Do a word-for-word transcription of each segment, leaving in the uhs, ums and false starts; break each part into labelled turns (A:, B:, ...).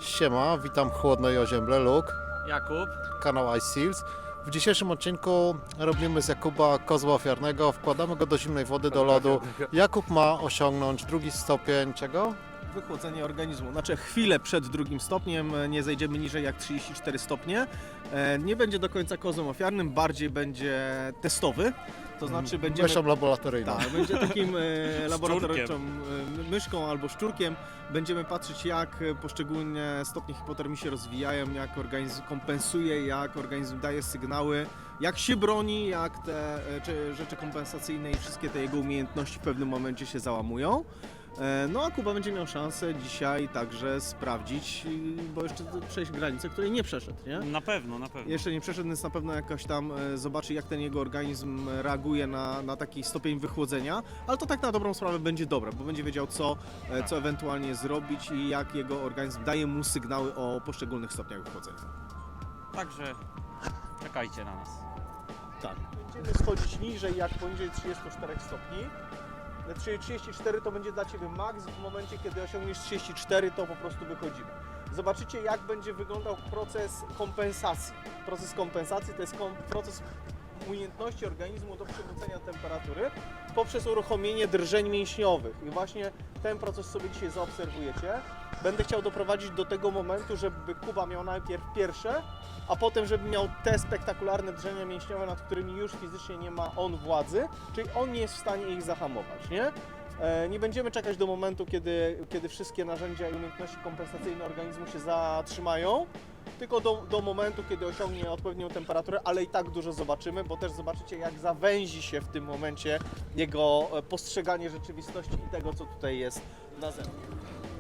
A: Siema, witam chłodno i ozięble, Luke,
B: Jakub.
A: kanał Ice Seals. W dzisiejszym odcinku robimy z Jakuba kozła ofiarnego, wkładamy go do zimnej wody, do lodu. Jakub ma osiągnąć drugi stopień czego?
C: Wychłodzenie organizmu. Znaczy chwilę przed drugim stopniem, nie zejdziemy niżej jak trzydzieści cztery stopnie. Nie będzie do końca kozłem ofiarnym, bardziej będzie testowy. To znaczy będziemy...
A: Myszą laboratoryjną.
C: Tak, będzie takim e, laboratoryczną e, myszką albo szczurkiem. Będziemy patrzeć, jak poszczególne stopnie hipotermii się rozwijają, jak organizm kompensuje, jak organizm daje sygnały, jak się broni, jak te e, czy, rzeczy kompensacyjne i wszystkie te jego umiejętności w pewnym momencie się załamują. E, no a Kuba będzie miał szansę dzisiaj także sprawdzić, bo jeszcze przejść granicę, której nie przeszedł, nie?
B: Na pewno, na pewno.
C: Jeszcze nie przeszedł, więc na pewno jakoś tam e, zobaczy, jak ten jego organizm reaguje na, na taki stopień wychłodzenia, ale to tak na dobrą sprawę będzie dobre, bo będzie wiedział, co, e, co ewentualnie zrobić i jak jego organizm daje mu sygnały o poszczególnych stopniach wychłodzenia.
B: Także czekajcie na nas.
C: Tak. Będziemy schodzić niżej, jak poniżej trzydziestu czterech stopni. Czyli trzydzieści cztery to będzie dla Ciebie maks, w momencie kiedy osiągniesz trzydzieści cztery to po prostu wychodzimy. Zobaczycie, jak będzie wyglądał proces kompensacji. Proces kompensacji to jest kom proces umiejętności organizmu do przywrócenia temperatury poprzez uruchomienie drżeń mięśniowych. I właśnie ten proces sobie dzisiaj zaobserwujecie. Będę chciał doprowadzić do tego momentu, żeby Kuba miał najpierw pierwsze, a potem żeby miał te spektakularne drżenia mięśniowe, nad którymi już fizycznie nie ma on władzy, czyli on nie jest w stanie ich zahamować, nie? E, nie będziemy czekać do momentu, kiedy, kiedy wszystkie narzędzia i umiejętności kompensacyjne organizmu się zatrzymają, tylko do, do momentu, kiedy osiągnie odpowiednią temperaturę, ale i tak dużo zobaczymy, bo też zobaczycie, jak zawęzi się w tym momencie jego postrzeganie rzeczywistości i tego, co tutaj jest na zewnątrz.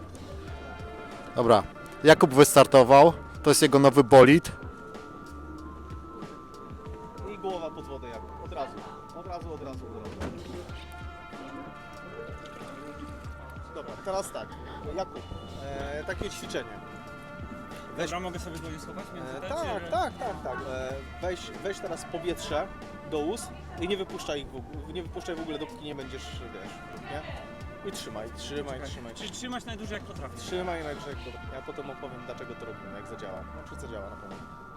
A: Dobra, Jakub wystartował, to jest jego nowy bolid.
C: I głowa pod wodę, jak od razu, od razu, od razu, od razu. Dobra, teraz tak, Jakub, e, takie ćwiczenie.
B: Weź... Dobra, mogę sobie go schować między
C: E,
B: te,
C: tak,
B: czy...
C: tak, tak, tak. E, weź, weź teraz powietrze do ust i nie wypuszczaj ich w ogóle, nie wypuszczaj w ogóle, dopóki nie będziesz, wiesz, nie? I trzymaj, trzymaj,
B: Czekaj.
C: trzymaj.
B: Czyli trzymać najdłużej jak potrafisz.
C: Trzymaj najdłużej, jak to- ja potem opowiem, dlaczego to robimy, jak zadziała. No, czy zadziała na pewno.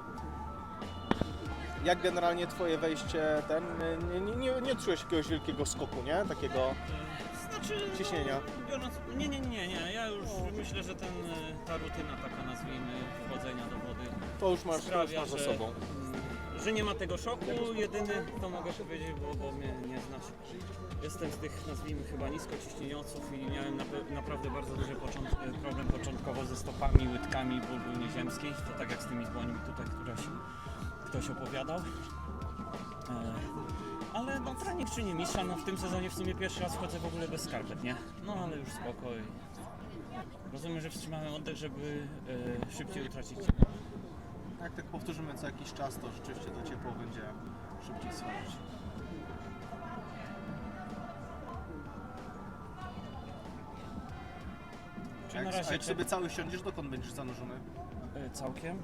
C: Jak generalnie Twoje wejście, ten, nie, nie, nie, nie czułeś jakiegoś wielkiego skoku, nie? Takiego
B: Znaczy...
C: ciśnienia.
B: Biorąc... Nie, nie, nie, nie. Ja już myślę, że ten, e, ta rutyna taka, nazwijmy, wchodzenia do wody
C: To już masz, to już
B: sprawia,
C: masz za
B: że,
C: sobą.
B: mm, że nie ma tego szoku. Jedyny, to mogę powiedzieć, bo, bo mnie nie znasz. Jestem z tych, nazwijmy, chyba niskociśnieniowców i miałem na, naprawdę bardzo duży począt, problem początkowo ze stopami, łydkami, ból był nieziemski. To tak jak z tymi dłońmi tutaj, któreś ktoś opowiadał. E, ale no trening czyni mistrza, no w tym sezonie w sumie pierwszy raz wchodzę w ogóle bez skarpet, nie? No ale już spokoj. Rozumiem, że wstrzymałem oddech, żeby e, szybciej utracić.
C: Jak tak powtórzymy co jakiś czas, to rzeczywiście to ciepło będzie szybciej schodzić.
B: Czyli
C: Jak,
B: na razie
C: a jak
B: czy-
C: sobie cały siądziesz, dokąd będziesz zanurzony?
B: e, całkiem.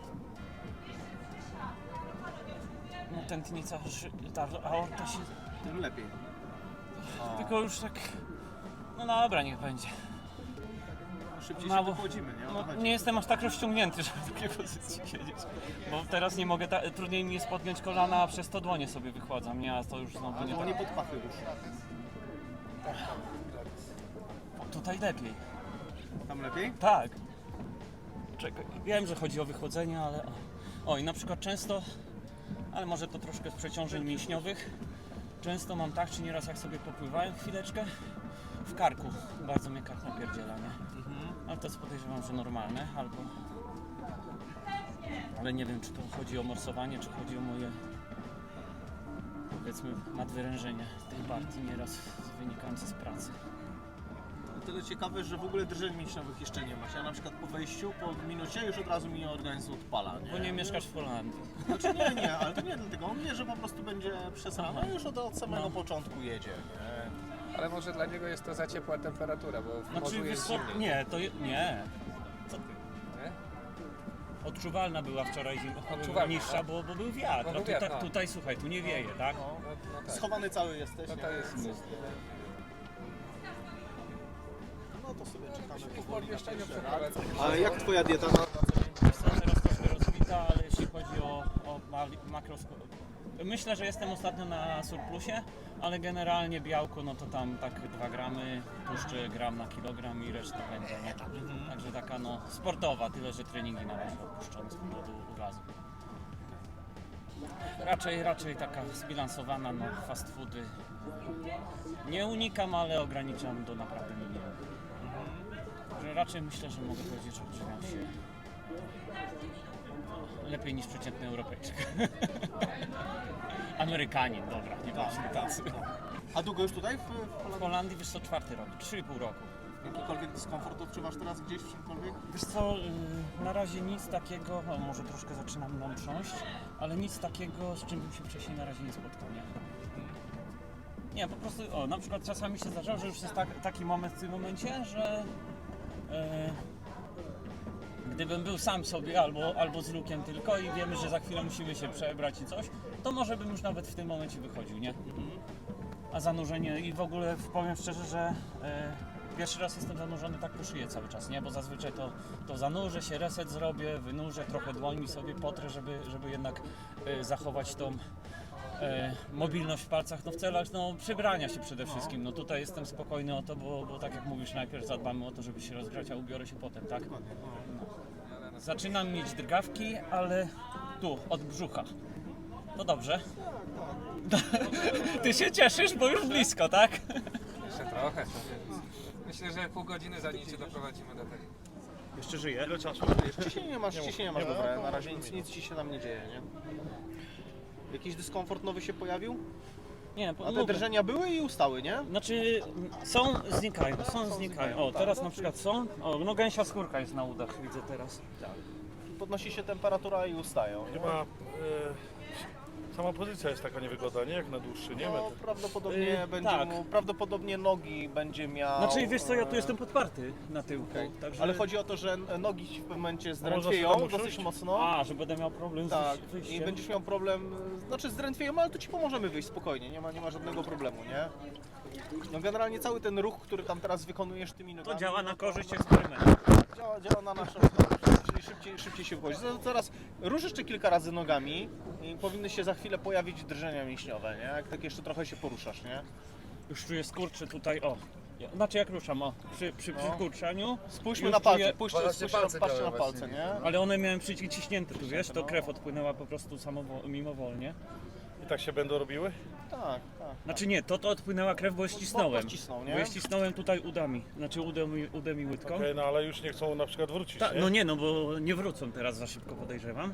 B: No tętnica, ży- ta aorta się...
C: Tym lepiej. O,
B: Tylko już tak... No dobra, niech będzie.
C: szybciej
B: mało-
C: się wychodzimy, nie? O to
B: No,
C: chodzi.
B: nie jestem aż tak rozciągnięty, żeby w takiej pozycji siedzieć. Bo teraz nie mogę, ta, trudniej mi jest podjąć kolana, a przez to dłonie sobie wychładzam, nie? A to już znowu nie
C: Albo
B: tak.
C: nie pod pachy rusz.
B: O, tutaj lepiej.
C: Tam lepiej?
B: Tak. Czekaj, wiem, że chodzi o wychłodzenie, ale... O, o i na przykład często, ale może to troszkę z przeciążeń mięśniowych, często mam tak, czy nieraz jak sobie popływałem chwileczkę, w karku bardzo mnie kark napierdziela, nie?
C: Mhm.
B: Ale to jest podejrzewam, że normalne, albo... Ale nie wiem, czy to chodzi o morsowanie, czy chodzi o moje, powiedzmy, nadwyrężenie tej partii nieraz wynikające z pracy.
C: O tyle ciekawe, że w ogóle drżeń mięśniowych jeszcze nie masz. Ja na przykład po wejściu, po minucie już od razu mi organizm odpala, nie?
B: Bo nie mieszkasz w Holandii.
C: Znaczy nie, nie, ale to nie dlatego. On wie, że po prostu będzie przez rano
B: Aha.
C: i już od, od samego
B: No.
C: początku jedzie, nie?
D: Ale może dla niego jest to za ciepła temperatura, bo w
B: Znaczy,
D: morzu
B: wiesz
D: jest
B: co?
D: zimniej.
B: Nie, to je, nie. Co ty?
D: Nie?
B: Odczuwalna była wczoraj zima,
D: Odczuwalna,
B: niższa, bo, bo był wiatr.
D: Bo
B: A
D: był
B: tutaj,
D: wiatr, no.
B: tutaj słuchaj, tu nie wieje, tak?
D: No, no tak.
C: Schowany cały jesteś,
D: No
C: nie?
D: to jest...
C: No to sobie czekamy.
D: Po pomieszczeniu przeprowadzę.
C: A jak twoja dieta na
B: mali- makroskop. Myślę, że jestem ostatnio na surplusie, ale generalnie białko, no to tam tak dwa gramy, tłuszczy gram na kilogram i reszta będzie, nie? Także taka no sportowa, tyle że treningi na razie opuszczone z powodu urazu. Raczej, raczej taka zbilansowana, no fast foody. Nie unikam, ale ograniczam do naprawdę minimum. Że raczej myślę, że mogę powiedzieć, że odżywiam się lepiej niż przeciętny Europejczyk. Amerykanin, dobra, nie bądźmy tacy.
C: A długo już tutaj w, w
B: W
C: Holandii?
B: Holandii wiesz co, czwarty rok, trzy i pół roku.
C: Jakikolwiek dyskomfort odczuwasz teraz gdzieś w czymkolwiek?
B: Wiesz co, yy, na razie nic takiego, no może troszkę zaczynam mną trząść, ale nic takiego, z czym bym się wcześniej na razie nie spotkał, nie? Nie, po prostu, o, na przykład czasami się zdarza, że już jest tak, taki moment w tym momencie, że yy, gdybym był sam sobie albo, albo z Lukiem tylko i wiemy, że za chwilę musimy się przebrać i coś, to może bym już nawet w tym momencie wychodził, nie? A zanurzenie i w ogóle powiem szczerze, że yy, pierwszy raz jestem zanurzony tak po szyję cały czas, nie? Bo zazwyczaj to, to zanurzę się, reset zrobię, wynurzę, trochę dłońmi sobie potrę, żeby, żeby jednak yy, zachować tą e, mobilność w palcach, no w celach no, przybrania się przede wszystkim. No tutaj jestem spokojny o to, bo, bo tak jak mówisz, najpierw zadbamy o to, żeby się rozgrzać, a ubiorę się potem, tak? No. Zaczynam mieć drgawki, ale tu, od brzucha. No dobrze. Ty się cieszysz, bo już blisko, tak?
D: Jeszcze trochę. Myślę, że pół godziny zanim cię doprowadzimy do tego.
C: Jeszcze żyje?
A: Ile czasu?
C: Ciśnienie masz, ciśnienie masz dobre, na razie nic, nic ci się tam nie dzieje, nie? Jakiś dyskomfort nowy się pojawił?
B: Nie,
C: A te
B: mówię.
C: drżenia były i ustały, nie?
B: Znaczy są, znikają, są, znikają. O, teraz na przykład są. O, no gęsia skórka jest na udach, widzę teraz.
C: Podnosi się temperatura i ustają. Nie?
E: Chyba e, sama pozycja jest taka niewygodna, nie? Jak na dłuższy, nie?
C: No,
E: Metr.
C: prawdopodobnie
B: Yy,
C: będzie
B: tak.
C: mu, prawdopodobnie nogi będzie miał.
B: Znaczy wiesz co, ja tu
C: e,
B: jestem podparty na tyłku,
C: okej.
B: także...
C: Ale chodzi o to, że nogi ci w pewnym momencie
E: można sobie
C: zdrętwieją
E: tam usiąść?
C: dosyć mocno.
B: A, że będę miał problem z
C: Tak,
B: wyjś- wyjściem.
C: i będziesz miał problem, znaczy zdrętwieją, ale to ci pomożemy wyjść spokojnie, nie ma, nie ma żadnego problemu, nie? No generalnie cały ten ruch, który tam teraz wykonujesz tymi
B: To
C: nogami,
B: działa
C: no
B: na korzyść eksperymentu.
C: Działa, działa na naszą korzyść, czyli szybciej, szybciej się wchodzi. Teraz rusz jeszcze kilka razy nogami i powinny się za chwilę pojawić drżenia mięśniowe, nie? Jak tak jeszcze trochę się poruszasz, nie?
B: Już czuję skurczy tutaj, o. Ja- Znaczy jak ruszam, o. Przy, przy
C: No.
B: przykurczaniu.
C: Spójrzmy
B: Już
C: na palce,
B: czuję-
C: spójrzcie,
E: Palce,
C: spójrzcie,
E: palce
C: patrzcie na
E: białe
C: palce,
E: właśnie,
C: nie?
B: Ale one miałem przyciśnięte tu, wiesz, to
C: no.
B: krew odpłynęła po prostu samowo- mimowolnie.
E: I tak się będą robiły?
C: Tak, tak.
B: Znaczy nie, to to odpłynęła krew, bo je ścisnąłem.
C: Bo ścisnął, nie?
B: Bo je ścisnąłem tutaj udami, znaczy udem, i- udem i łydką.
E: Okej, no ale już nie chcą na przykład wrócić,
B: Ta,
E: nie?
B: no nie, no bo nie wrócą teraz za szybko, podejrzewam.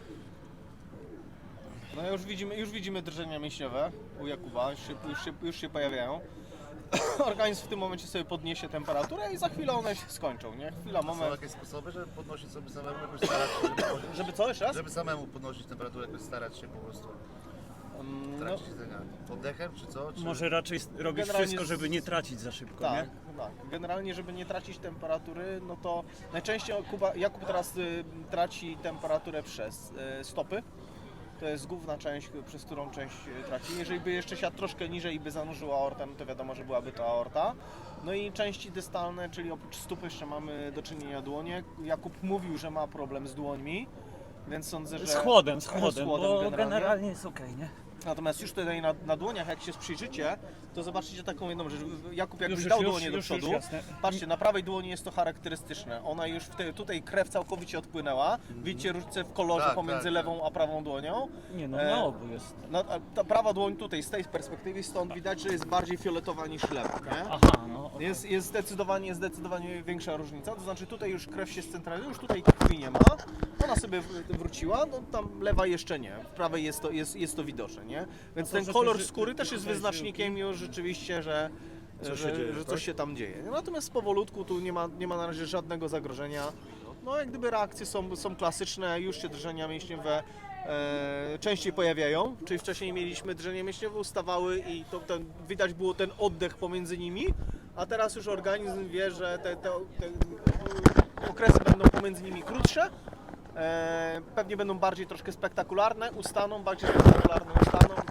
C: No już widzimy, już widzimy drżenia mięśniowe u Jakuba, już się, już się, już się pojawiają. Organizm w tym momencie sobie podniesie temperaturę i za chwilę one się skończą, nie? Chwila,
F: Są
C: moment.
F: jakieś sposoby, żeby podnosić sobie samemu, jakoś starać się, żeby, podnieść-
C: Żeby co, jeszcze raz?
F: żeby samemu podnosić temperaturę, jakoś starać się po prostu
C: Mm,
F: w
C: No,
F: trakcie jedzenia. Oddechem czy co? Czy...
B: Może raczej s- robić
C: Generalnie
B: wszystko,
C: z-
B: żeby nie tracić za szybko,
C: tak,
B: nie?
C: tak. Generalnie, żeby nie tracić temperatury, no to najczęściej Kuba, Jakub teraz y, traci temperaturę przez y, stopy. To jest główna część, przez którą część y, traci. Jeżeli by jeszcze siadł troszkę niżej i by zanurzył aortę, no to wiadomo, że byłaby to aorta. No i części dystalne, czyli oprócz stóp jeszcze mamy do czynienia dłonie. Jakub mówił, że ma problem z dłońmi, więc sądzę, że...
B: Z chłodem, z chłodem,
C: Z chłodem
B: bo
C: generalnie.
B: generalnie jest okej, nie?
C: Natomiast już tutaj na, na dłoniach, jak się przyjrzycie, to zobaczycie taką jedną rzecz. Jakub jakbyś
B: Już,
C: dał
B: już,
C: dłonie do
B: już, już,
C: przodu,
B: jasne.
C: patrzcie, na prawej dłoni jest to charakterystyczne. Ona już w te, tutaj krew całkowicie odpłynęła. Widzicie różnicę w kolorze
F: Tak,
C: pomiędzy
F: tak,
C: lewą a prawą dłonią.
B: Nie no,
C: E,
B: na obu jest.
C: No, a ta prawa dłoń tutaj, z tej perspektywy, stąd widać, że jest bardziej fioletowa niż lewa, nie?
B: Aha, no okej.
C: Jest, jest zdecydowanie, zdecydowanie większa różnica, to znaczy tutaj już krew się scentralizuje, już tutaj krwi nie ma, ona sobie w- wróciła, no tam lewa jeszcze nie, w prawej jest to, jest, jest to widoczne, nie? Więc
B: to,
C: ten
B: że
C: kolor
B: ty-
C: skóry też jest
B: tutaj
C: wyznacznikiem już rzeczywiście, że,
E: Coś się
C: że,
E: dzieje,
C: że
E: tak?
C: coś się tam dzieje. Natomiast powolutku tu nie ma, nie ma na razie żadnego zagrożenia, no jak gdyby reakcje są, są klasyczne, już się drżenia mięśniowe e, częściej pojawiają, czyli wcześniej mieliśmy drżenie mięśniowe, ustawały i to, ten, widać było ten oddech pomiędzy nimi, a teraz już organizm wie, że te, te, te okresy będą pomiędzy nimi krótsze, e, pewnie będą bardziej troszkę spektakularne, ustaną, bardziej spektakularne ustaną,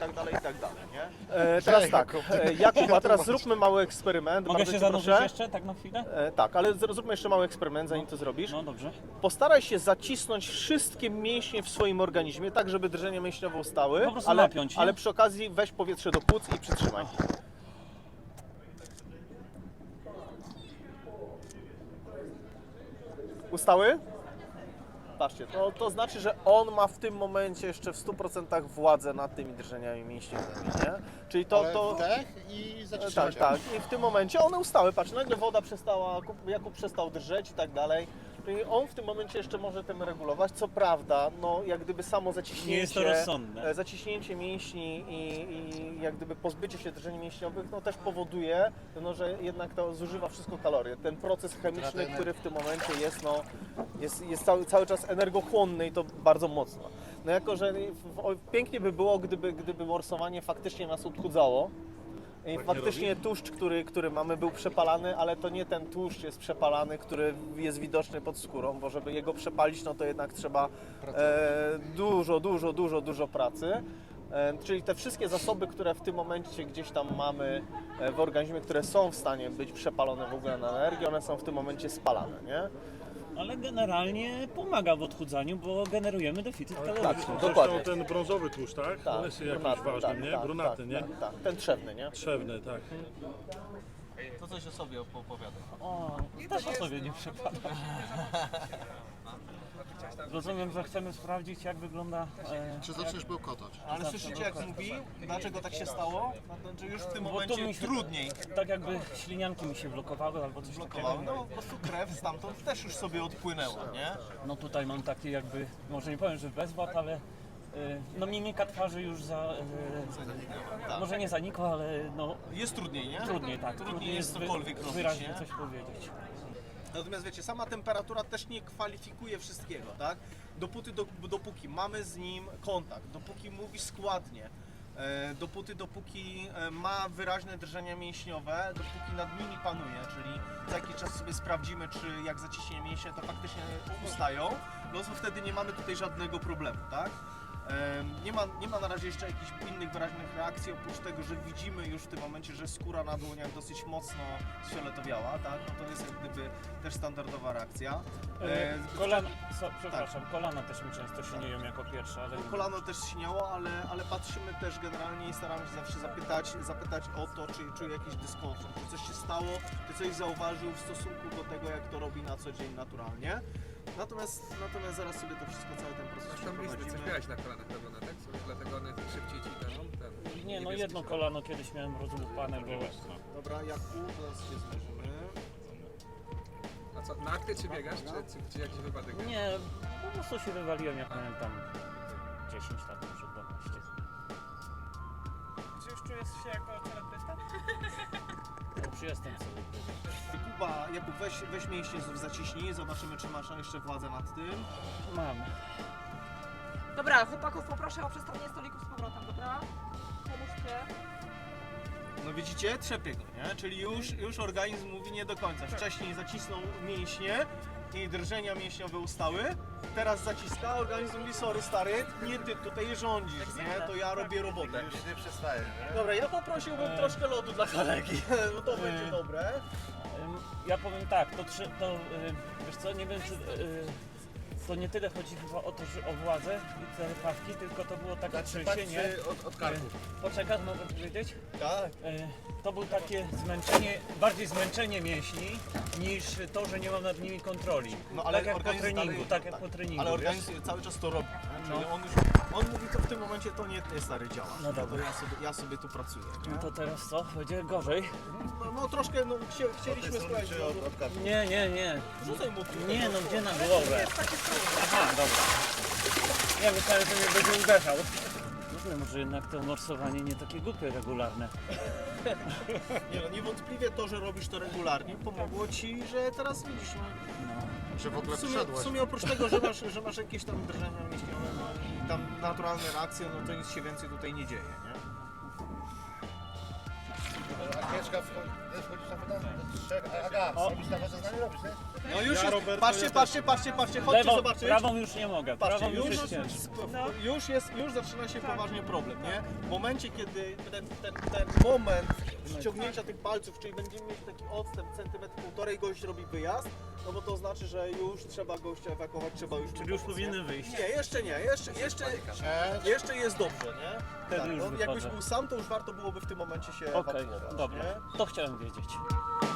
C: tak dalej, i tak dalej, nie? E, teraz tak, e, Jakub, a teraz zróbmy mały eksperyment,
B: Mogę
C: bardzo
B: się
C: cię
B: zanurzyć
C: proszę.
B: jeszcze, tak na chwilę?
C: E, tak, ale zr- zróbmy jeszcze mały eksperyment, zanim to zrobisz.
B: No dobrze.
C: Postaraj się zacisnąć wszystkie mięśnie w swoim organizmie, tak żeby drżenia mięśniowe ustały,
B: Po prostu
C: ale,
B: napiąć, nie?
C: ale przy okazji weź powietrze do płuc i przytrzymaj. Ustały? Patrzcie, to, to znaczy, że on ma w tym momencie jeszcze w stu procentach władzę nad tymi drżeniami mięśniowymi, nie? Czyli to...
A: Ale
C: to
A: wdech i
C: tak,
A: zaciśnięcie.
C: tak. I w tym momencie one ustały. Patrz, nagle woda przestała, Jakub przestał drżeć i tak dalej. Czyli on w tym momencie jeszcze może tym regulować. Co prawda, no jak gdyby samo zaciśnięcie,
B: Nie jest to rozsądne.
C: e, zaciśnięcie mięśni i, i jak gdyby pozbycie się drżeń mięśniowych, no też powoduje, no, że jednak to zużywa wszystko kalorie. Ten proces chemiczny, który w tym momencie jest, no, jest, jest cały, cały czas energochłonny i to bardzo mocno. No jako, że w, o, pięknie by było, gdyby, gdyby morsowanie faktycznie nas odchudzało. I faktycznie tłuszcz, który, który mamy, był przepalany, ale to nie ten tłuszcz jest przepalany, który jest widoczny pod skórą, bo żeby jego przepalić, no to jednak trzeba e, dużo, dużo, dużo, dużo pracy. E, czyli te wszystkie zasoby, które w tym momencie gdzieś tam mamy e, w organizmie, które są w stanie być przepalone w ogóle na energię, one są w tym momencie spalane, nie?
B: Ale generalnie pomaga w odchudzaniu, bo generujemy deficyt kaloryczny.
C: Tak,
E: Zresztą
C: dokładnie.
E: ten brązowy tłuszcz, tak?
C: Tak,
E: On jest jakiś
C: brunatny,
E: ważny,
C: tak,
E: nie?
C: tak,
E: Brunatny,
C: tak,
E: nie?
C: Tak, tak, ten trzewny, nie?
E: Trzewny, tak.
C: To coś o sobie opowiadaj.
B: O, też o sobie nie przepada. Rozumiem, że chcemy sprawdzić, jak wygląda... E,
A: Czy zaczniesz bełkotać?
C: Ale słyszycie jak mówi? Dlaczego tak się stało? Znaczy już w tym
B: Bo to
C: momencie
B: mi się-
C: trudniej
B: tak jakby ślinianki mi się blokowały albo coś
C: blokowało.
B: takiego.
C: No po prostu krew stamtąd też już sobie odpłynęła, nie?
B: No tutaj mam takie jakby, może nie powiem, że bezwład, ale e, no mimika twarzy już za... E,
C: Tak.
B: może nie zanikła, ale no
C: Jest trudniej, nie?
B: trudniej, tak.
C: Trudniej jest
B: wy-
C: cokolwiek robić,
B: wyraźnie
C: nie?
B: coś powiedzieć.
C: Natomiast wiecie, sama temperatura też nie kwalifikuje wszystkiego, tak? Dopóty, do, dopóki mamy z nim kontakt, dopóki mówi składnie, e, dopóty, dopóki e, ma wyraźne drżenia mięśniowe, dopóki nad nimi panuje, czyli za jakiś czas sobie sprawdzimy, czy jak zaciśnie mięśnie, to faktycznie ustają, no to wtedy nie mamy tutaj żadnego problemu, tak? E, Nie ma, nie ma na razie jeszcze jakichś innych wyraźnych reakcji, oprócz tego, że widzimy już w tym momencie, że skóra na dłoniach dosyć mocno sfioletowiała, tak? No to jest jak gdyby też standardowa reakcja.
B: E,
C: E,
B: kolana, so, przepraszam, kolana też mi często silnieją jako pierwsze, ale...
C: Kolano też śniało, ale, ale patrzymy też generalnie i staramy się zawsze zapytać, zapytać o to, czy czuje jakiś dyskomfort, czy coś się stało, czy coś zauważył w stosunku do tego, jak to robi na co dzień naturalnie. Natomiast, natomiast zaraz sobie to wszystko, cały ten proces
D: Masz tam blizny, coś
C: przeprowadzimy.
D: miałeś na kolanach pewno na tekst, dlatego one szybciej ci daną ten...
B: Nie, no
D: niebieski
B: jedno
D: świat.
B: kolano kiedyś miałem rozłupane, bo...
C: Dobra, Jakub, teraz się zmierzymy.
D: A co, na akty czy biegasz, czy, czy, czy jakiś wypadek?
B: Nie, po prostu się wywaliłem, jak miałem tam dziesięć lat, może dwanaście.
G: Czy już czujesz się jako celebrysta?
B: No, już jestem sobie.
C: Kuba, Jakub, weź, weź mięśnie znów zaciśnij, zobaczymy, czy masz jeszcze władzę nad tym.
B: Mam.
G: Dobra, chłopaków poproszę o przestawienie stolików z powrotem, dobra? Pomóżcie.
C: No widzicie, trzepie go, nie? Czyli już, już organizm mówi nie do końca. Wcześniej zacisnął mięśnie i drżenia mięśniowe ustały. Teraz zaciska, organizm mówi sorry stary, nie ty tutaj rządzisz, nie? To ja robię robotę.
F: Już nie przestaje, nie?
C: Dobra, ja poprosiłbym
B: Eee.
C: troszkę lodu dla kolegi, bo to będzie dobre.
B: Ym, Ja powiem tak, to, trzy- to y, wiesz co, nie wiem czy... y, To nie tyle chodzi chyba o to, że o władzę i te pawki, tylko to było takie trzęsienie.
F: Od, od karku.
B: Poczekaj, mogę powiedzieć?
C: Tak.
B: E, To było takie zmęczenie, bardziej zmęczenie mięśni niż to, że nie mam nad nimi kontroli.
C: No, ale
B: tak jak po
C: organizm
B: treningu,
C: dalej-
B: tak jak
C: tak.
B: po treningu.
C: Ale
B: wiesz?
C: organizm cały czas to robi, nie? Czyli
B: No.
C: on już, on mówi to w tym momencie to nie ty stary działa.
B: No
C: To
B: dobra.
C: ja sobie, ja sobie tu pracuję, nie?
B: No to teraz co? Będzie gorzej?
C: No, no troszkę, no chcie, chcieliśmy słuchać,
F: Czy od, od karku?
B: Nie, nie, nie.
C: rzucaj mu trochę.
B: Nie no, gdzie na głowę? Aha, dobra. Ja myślałem, że mnie będzie uderzał. Kurde, może jednak to morsowanie nie takie głupie regularne.
C: Nie no, niewątpliwie to, że robisz to regularnie pomogło ci, że teraz widzisz, no,
B: No.
A: Że w ogóle
C: w sumie, w
A: przyszedłeś?
C: sumie oprócz tego, że masz, że masz jakieś tam drżenia mięśniowe no, i tam naturalne reakcje, no to nic się więcej tutaj nie dzieje, nie?
F: Agnieszka, wchodzi- wchodzisz na pytanie do trzech, a Aga, robisz na wasze zdanie, robisz, nie?
C: No już
E: Ja,
C: jest,
E: Roberto,
C: patrzcie,
E: ja
C: patrzcie, patrzcie, patrzcie, chodźcie
B: Lewą,
C: zobaczyć.
B: prawą już nie mogę,
C: Patrzcie,
B: prawą już
C: już,
B: jest ciężko.
C: już, jest, już zaczyna się poważnie problem, nie? W momencie, kiedy ten, ten, ten moment ściągnięcia tych palców, czyli będziemy mieć taki odstęp centymetr półtorej, gość robi wyjazd, no bo to znaczy, że już trzeba gościa ewakuować, trzeba już...
B: Czyli już
C: pomóc,
B: powinny
C: nie?
B: wyjść.
C: Nie, jeszcze nie, jeszcze, jeszcze, jeszcze jest dobrze, nie?
B: Wtedy już
C: no, jakbyś
B: wychodzę.
C: był sam, to już warto byłoby w tym momencie się
B: Okej,
C: ewakuować,
B: dobra,
C: nie?
B: to chciałem wiedzieć.